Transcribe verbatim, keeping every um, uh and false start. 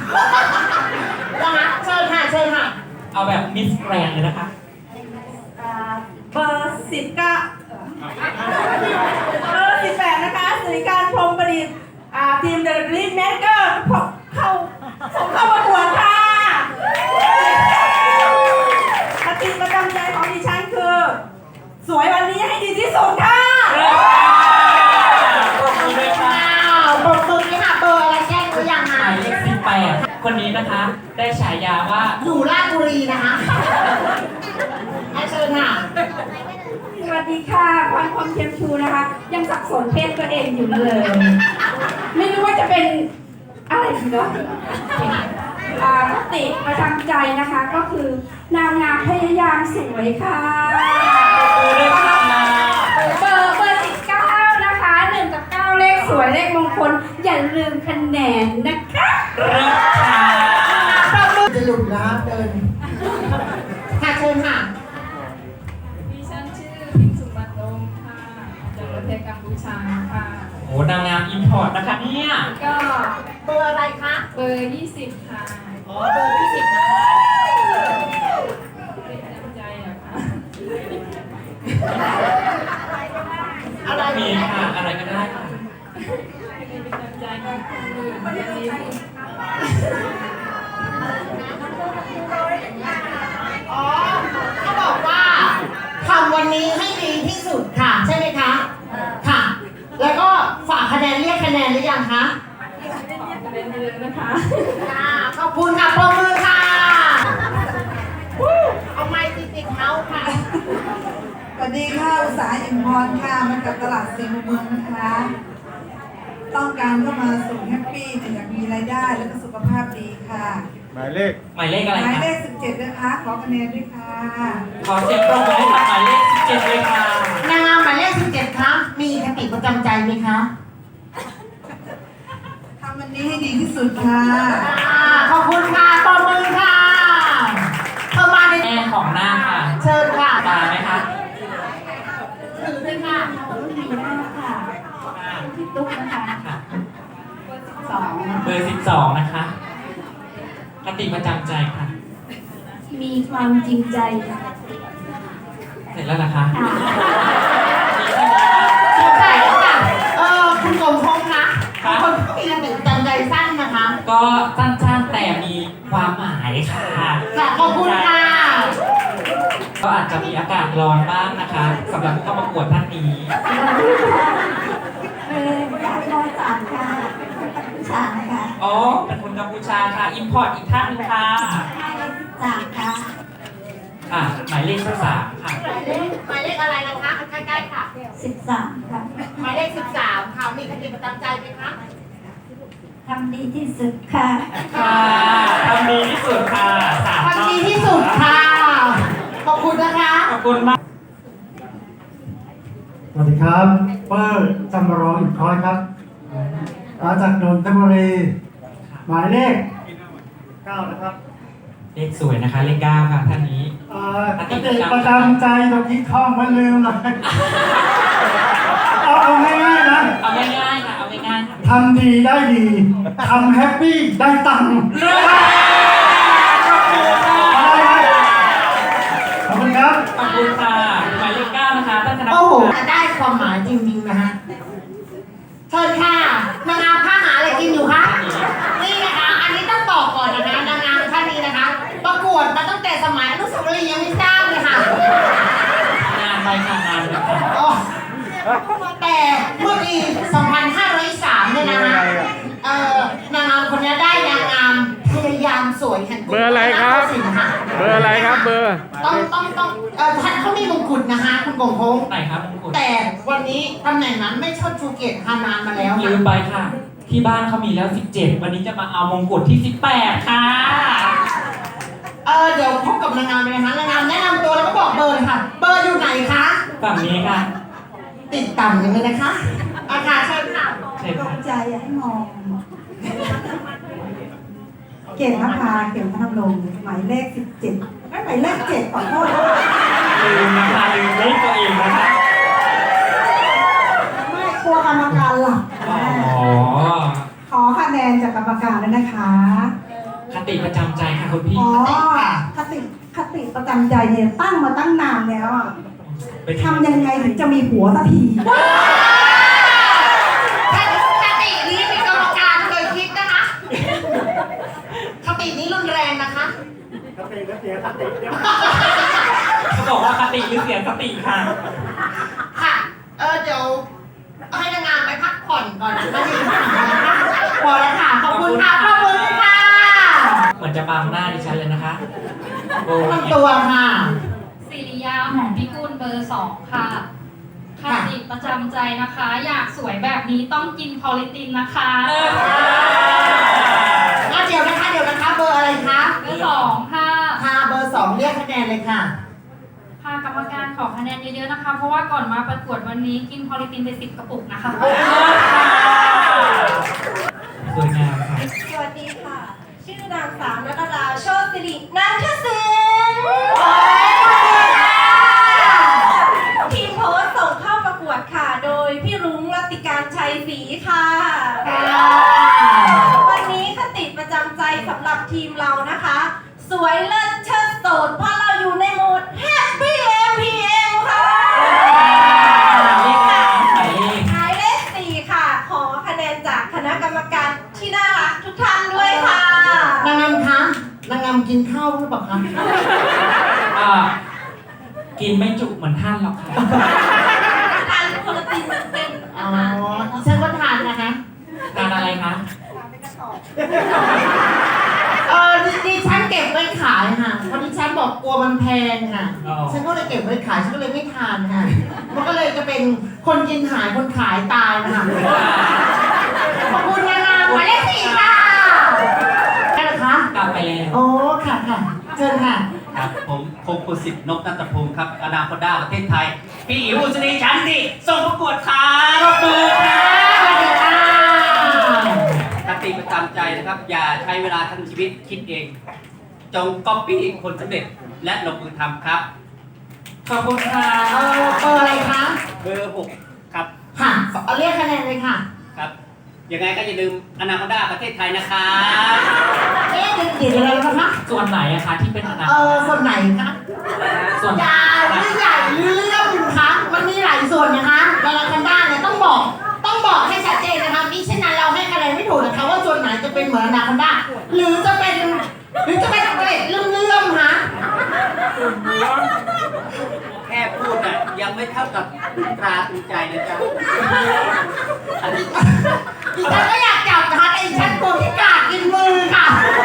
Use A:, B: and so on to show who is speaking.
A: นะคะเชิญค่ะเชิญค่ะ
B: เอาแบบมิสแกรนด์เลยนะคะ
C: เบอร์สิบเก้าเบอร์สิบแปดนะคะสิริการพรหมประดิษฐ์ทีมเดลิเวอรี่แมกเกอร์เข้าส่งเข้าประกวดค่ะปฏิประจำใจของดิฉันคือ สวยวันนี้ให้ดีที่สุดค่ะ
B: ปรบมือด้วยค่ะ
A: ปรบมือด้วยค่ะเบอร์อะไรแจ้งหรือยังคะ
B: หมายเลขสิบแปดคนนี้นะคะได้ฉายาว่า
A: อยู่ราชบุรีนะคะเชิญค่ะ
C: สวัสดีค่ะพรพรหมเทียมชูนะคะยังสับสนเพศตัวเองอยู่เลยไม่รู้ว่าจะเป็นอะไรดีเนาะคติประจำใจนะคะก็คือนางงามพยายามสวยค่ะเบอร์เบอร์สิบเก้านะคะหนึ่งกับเก้าเลขสวยเลขมงคลอย่าลืมคะแนนนะคะ
A: จะหลุดนะเดินค่ะเชิญค่ะ
C: ดิฉันชื่อพิมสุวรรณโอมค่ะจากประเทศกัมพูชาค่ะ
B: โอ้นางงามอิมพอร์ตนะคะเนี่ย
C: ก็
A: เบอร์อะไรคะ
C: เบอร์ยี่สิบค่ะ
A: อ๋อเบอร์ยี่สิบนะคะ
C: ใจอะค่ะ
A: อะไร
B: มีค่ะอะไรก็ได้ค่ะ
C: ใจก็คือวันนี้
A: อ๋อเขาบอกว่าทำวันนี้ให้ดีที่สุดค่ะใช่ไหมคะค่ะแล้วก็ฝากคะแนนเรียกคะแนนหรือยังคะ
C: เป็นเดือนนะคะ
A: ขอบคุณค่ะปรบมือค่ะเอาไม้ติดติดเท้าค่ะ
D: สวัสดีค่ะอุตสาหอิมพรค่ะมาจากตลาดสี่มุมเมืองนะคะต้องการเข้ามาสู่แฮปปี้อยากมีรายได้แล้วก็สุขภาพดีค่ะ
E: หมายเลข
B: หมายเลขอะไร
D: หมายเลขสิบเจ็ดนะคะขอคะแนนด้วยค่ะ
B: ขอเสียงปรบมือให้กับหมายเลขสิบเจ็ดเลยค่ะ
A: นางงามหมายเลขสิบเจ็ดครับมีคติประจำใจไหมคะ
D: ทำวันนี้ให้ดีที่สุดค่ะ
A: ขอบคุณค่ะปรบมือค่ะเข้ามาใน
B: แม่ของหน้าค่ะ
A: เชิญค่ะ
B: ตาไหมคะ
A: ถือเลยค่ะ
C: มีหน้าค่ะพี่ตุ๊กนะคะสอง
B: เบอร์สิบสองนะคะคติประจำใจค่ะ
C: มีความจริงใจค่ะ
B: เสร็จแล้วนะคะ
A: ใช่ค่ะเออคุณกรมพงษ์นะคนที่มีคติประจำใจสั้นนะคะ
B: ก็สั้นๆแต่มีความหมายค่ะ
A: ขอบคุณค่ะ
B: ก็อาจจะมีอากาศร้อนบ้างนะคะสำหรับผู้เข้าประกวดท่านนี้
C: เอออยากรอสามค่ะสามค่ะ
B: อ๋อเป็นคนกัมพูชาค่ะอิมพอร์ตอีกท่านนึงค่ะ
C: สามค่ะ
B: ค่ะหมายเลขสามค่ะ
A: หมายเลขหมายเลขอะไรนะคะใกล้ๆค่ะ
C: สิบสามค่ะ
A: หมายเลขสิบสามค่ะมีคติประจำใจไหมคะ
C: ทำดีที่สุดค่ะ
B: ค่ะทำดีที่สุดค่ะ
A: ทำดีที่สุดค่ะขอบคุณนะคะ
B: ขอบคุณมาก
E: สวัสดีครับเปิ้ลจำรองอีกคอยครับมาจากนนทบุรีหมายเลขเก้านะครับ
B: เลขสวยนะคะเลขเก้าค่ะท่านนี้
E: คติประจำใจตรงนี้ท่องไม่ลืมเลยเอาเอาง่ายๆนะ
B: เอาง่ายๆค่ะเอาง่ายๆ
E: ทำดีได้ดีทำแฮปปี้ได้ตังค์ขอบคุณครับ
B: ขอบคุณค่ะหมายเลขเก้านะคะท่านธนพล
A: โอ้โหได้ความหมายจริงๆนะฮะเชิญค่ะนางงามผ้าหาอะไรกินอยู่คะนี่นะคะอันนี้ต้องบอกก่อนนะคะนางงามท่านนี้นะคะประกวดมาตั้งแต่สมัยอนุสาวรีย์ยังไม่ทราบเลยค่ะ
B: นานไปค่ะนานไปค่ะ
A: แต่เมื่อปีสองพันห้าร้อยสามเนี่ยนะคะเอ่อนางงามคนนี้ได้นางงามพยายามสวยแห่ง
E: เบอร์อะไรครับเบอร์อะไรครับเบอร์
A: ต้องต้องต้องเอ่อท่านเขามีมงกุฎนะคะคุณกงพงษ์
B: ไหนครับมงกุฎ
A: แต่วันนี้ตำแหน่งนั้นไม่ชดชูเกียรติฮานานมาแล้ว
B: ลืมไปค่ะที่บ้านเขามีแล้วสิบเจ็ดวันนี้จะมาเอามงกุฎที่สิบแปดค่ะ
A: เออเดี๋ยวพบกับนางงามเลยนะคะนางงามแนะนำตัวแล้วก็บอกเบอร์ค่ะเบอร์อยู่ไหนคะ
B: ฝั่งนี้ค่ะ
A: ติดต่ำกันเลยนะคะอาคาเชิญค่ะ
C: ตกใจให้มอง
D: เก่งนะคะเก่งพัฒนลงหมายเลขสิบเจ็ดไม่หมายเลขเจ็ดขอโทษ
B: ลืมนะคะลืมเลขตัวเองนะคะ
D: ไม่กลัวกรรมการหลับ
B: อ๋อ
D: ขอคะแนนจากกรรมการด้วยนะคะ
B: คติประจำใจค่ะคุณพี่
D: อ๋อคติคติประจำใจเนี่ยตั้งมาตั้งนานแล้วอะ
B: เป็น
D: ทำยังไงถึงจะมีผัวสักที
A: คตินี้มีกรรมการเคยคิดนะคะคตินี้รุนแรงนะคะ
E: กติก็เสียกติเดี๋ยว
B: เขาบอกว่าคติหรือเสียสติค่ะ
A: ค่ะ เออเดี๋ยวให้นางงามไปพักผ่อนก่อนนะคะพอแล้วค่ะ ขอบคุณค่ะ ขอบคุณค่ะ
B: เหมือนจะบังหน้าดิฉันเลยนะคะโอ้ย
A: ทำตัวค่ะ
F: สิริยาหอมพิกุลเบอร์สองค่ะคติประจำใจนะคะ อยากสวยแบบนี้ต้องกินพอลิตินนะคะ
A: อ่ะเดี๋ยวนะคะ เดี๋ยวนะคะ เบอร์อะไรคะ
F: เบอร์สองค่ะ
A: ค่ะเบอร์สองเรียกคะแนนเลยค่ะ
F: ค่ะกรรมการขอคะแนนเยอะๆนะคะ เพราะว่าก่อนมาประกวดวันนี้กินพอลิตินไปสิบกระปุกนะคะ
B: สวยงามค่ะ
G: สวัสดีค่ะ ชื่อนางสาวนัทราโชติสิรินันทศิลป์ทีมโพสต์ส่งเข้าประกวดค่ะ โดยพี่รุ้งรัตติการชัยศรีค่ะ วันนี้คติประจำใจสำหรับทีมเรานะคะ สวยเลิศเชิดโสดเพราะเราอยู่ในโหมด Happy เอ็ม พี เอ็ม ค่ะ
B: เลขค่ะหมายเลข
G: หมายเลขสี่ค่ะ ขอคะแนนจากคณะกรรมการที่น่ารักทุกท่านด้วยค่ะ
A: นางงามคะนางงามกินข้าวหรือเปล่าคะ
B: อ่ากินไม่จุเหมือนท่านหรอกค่ะ
G: ทานโปรตีนเต็ม
A: อ๋อดิฉันก็ทานนะคะ
B: ทานอะไรคะ
A: เออดิดิฉันเก็บไว้ขายค่ะเพราะดิฉันบอกกลัวมันแพงค่ะ
B: อ๋อ
A: ฉันก็เลยเก็บไว้ขาย ฉันก็เลยไม่ทานค่ะ มันก็เลยจะเป็นคนกินหายคนขายตายนะคะขอบคุณนางงามหมายเลขสี่ค่ะได้เหรอคะ
B: กลับไปแล้ว
A: โอ้ค่ะค่ะเชิญค่ะ
H: ครับผมคงคุณสิทธิ์นกนัตพงศ์ครับอนาคตด้าประเทศไทย พี่อิ๋วอุศนีชันติส่งประกวดครับปรบมือครับ
A: สวัสดีค่ะ
H: คติประจำใจนะครับ อย่าใช้เวลาทั้งชีวิตคิดเอง จงก๊อปปี้คนสำเร็จและลงมือทำครับ
B: ขอบคุณค่ะ
A: เออเบอร์อะไรคะ
H: เบอร์หกครับ
A: ค่ะเอาเรียกคะแนนเลยค่ะ
H: ครับยังไงก็อย่าลืมอนาคตด้าประเทศไทยนะครับ
A: เอ๊ะเดี๋ยวเดี๋ยวอะไรนะคะ
B: ส่วนไหนอะคะที่เป็นอนาค
A: เอ
B: ต
A: อส่วนไหนคะ
B: ส่วน
A: ยาวหรือใหญ่หรือเรื่องคะมันมีหลายส่วนนะคะเวลาคันด้าเนี่ยต้องบอกต้องบอกให้ชัดเจนนะคะมิฉะนั้นเราให้คะแนนไม่ถูกนะคะว่าส่วนไหนจะเป็นเหมือนอนาคอนด้าหรือจะเป็นหรือจะเป็นเกล็ดเลื่อมๆคะ
H: แค่พูดอ่ะยังไม่เท่ากับตราตรึงใจนะจ๊ะอันนี้
A: ดิฉันก็อยากจับนะคะแต่ดิฉันกลัวพิกาดกินมือค่ะ